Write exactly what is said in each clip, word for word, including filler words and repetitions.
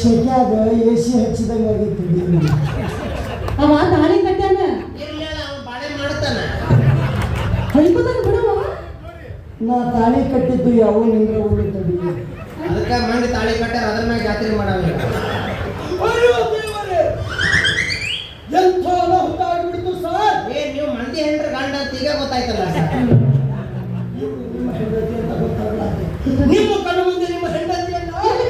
ಶೆಕ್ಯಾಗ A C ಹಚ್ಚಿದಂಗೆ ಆಗೈತಿ. ಅವ ತಾಳಿ ಕಟ್ಟಾನ ಇರ್ಲಿಲ್ಲ ಅವ ಬಾಳೆ ಮಾಡ್ತಾನ ಹೊಯ್ಕೋತಾನ ಬಿಡವ. ನಾ ತಾಳಿ ಕಟ್ಟಿದ್ದು ಯಾವ ನಿಂದ್ರ ಉಳ್ಳು ತಡಿ. ಅದಕ್ಕೆ ಮಂದಿ ತಾಳಿ ಕಟ್ಟಾರ ಅದ್ರ ಮ್ಯಾಗ ಜಾತ್ರೆ ಮಾಡಲ್ಲ. ಎಂಥ ಹುಟ್ಟಾಗ್ಬಿಡ್ತು ಸರ್. ಏ ನೀವು ಮಂದಿ ಹೆಂಡ್ರ ಗಂಡ ಅಂತ ಈಗ ಗೊತ್ತಾಯ್ತಲ್ಲ ಸರ್. ನಿಮ್ಮ ಹೆಂಡತಿ ಅಂತ ಗೊತ್ತಾಗಲ್ಲ. ನಿಮ್ಮ ಕಣ್ಣು ಮುಂದೆ ನಿಮ್ಮ ಹೆಂಡತಿಯನ್ನು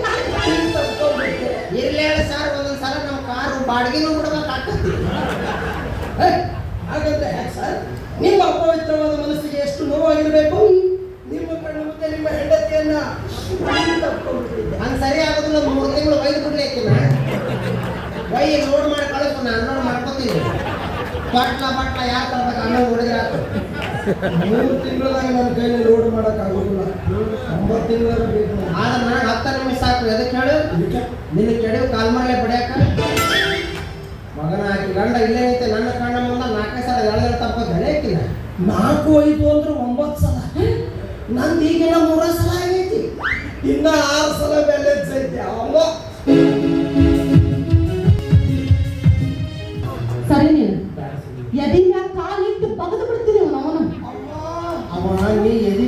ಇರ್ಲಿ ಹೇಳಿ ಸರ್, ಒಂದೊಂದ್ಸಲ ನಮ್ಮ ಕಾರು ಬಾಡಿಗೆನೂ ಬಿಡ್ಬೇಕಾಗ್ತದೆ. ಹಾಗಂದ್ರೆ ಯಾಕೆ ಸರ್? ನಿಮ್ಮ ಅಪವಿತ್ರವಾದ ಮನಸ್ಸಿಗೆ ಎಷ್ಟು ನೋವಾಗಿರಬೇಕು. ನಿಮ್ಮ ಕಣ್ಣು ಮುಂದೆ ನಿಮ್ಮ ಹೆಂಡತಿಯನ್ನ ಹಂಗೆ ಸರಿ ಆಗೋದಿಲ್ಲ. ಮೂರು ತಿಂಗಳು ಒಯ್ದು ಬಿಡ್ಲಿ ಆಕಿನ ಒಯ್ ಲೋಡ್ ಮಾಡಿ ಕಳಿಸು, ನಾನು ಅನ್ನ ಮಾಡ್ಕೊತೀನಿ. ಬಟ್ಲ ಬಟ್ಲ ಯಾರು ತರ್ಬೇಕು ಅನ್ನ ಹುಡುಗರ ಮೂರು ತಿಂಗಳದಾಗ ನನ್ನ ಕೈಲಿ ಲೋಡ್ ಮಾಡೋಕ್ಕಾಗೋದಿಲ್ಲ. ಒಂಬತ್ತು ತಿಂಗಳ ಬೇಕು. ಆದ್ರೆ ನಾನು ಹತ್ತು ನಿಮಿಷ ಸಾಕು. ಎದಕ್ಕೆ ಹೇಳು? ನಿನ್ನ ಕೆಡವು ಕಾಲ್ ಮಾಡಲೇ ಬಡಿಯಾಕ ಮಗನ ಹಾಕಿ ಗಂಡ ಇಲ್ಲೇ ಐತೆ. ನನ್ನ ಕಣ್ಣ ಮುಂದೆ ನಾಲ್ಕೇ ಸಲ ಎಳ್ದು ತಪ್ಪು ಬೆಳೆ ಹಾಕಿಲ್ಲ. ನಾಲ್ಕು ಐದು ಅಂದ್ರೆ ಒಂಬತ್ತು ಸಲ. ನಂದು ಈಗಿನ ಮೂರ ಸಲ ಆಗೈತಿ. ಇನ್ನ ಆರು ಸಲ ಬ್ಯಾಲೆನ್ಸ್ ಐತಿ. ಅವ ಸರಿ ನೀನು ಎದಿನ ಕಾಲಿಟ್ಟು ಬಗದು ಬಿಡ್ತೀನಿ ಅವನು. ಅವ ನೀ ಎದೆ